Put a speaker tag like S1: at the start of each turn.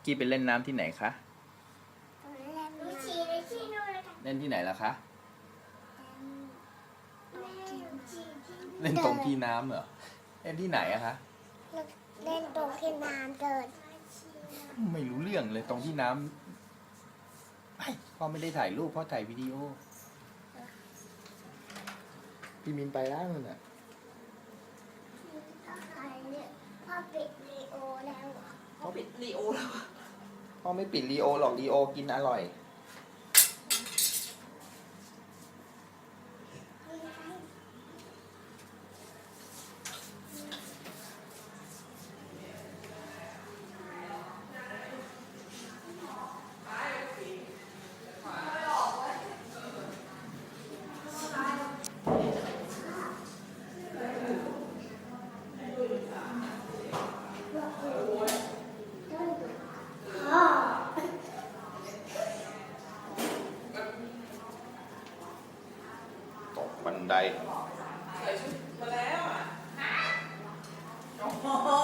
S1: กี้ไปเล่นน้ำที่ไหนคะเล่นที่ไหนล่ะคะเล่นตรงที่น้ำเหรอเล่นที่ไหนอะคะ
S2: เล่นตรงที่น้ำเดิน
S1: ไม่รู้เรื่องเลยตรงที่น้ำพ่อไม่ได้ถ่ายรูปพ่อถ่ายวิดีโอพี่มินไปแล้วนั่นน่ะ
S2: พ่อปิดลีโอแล้ว
S3: เขาปิดลีโอแล้ว
S1: พ่อไม่ปิดลีโอหรอกลีโอกินอร่อยตกบันได
S3: ใส่ชุดมาแล้วอ่ะโอ้โห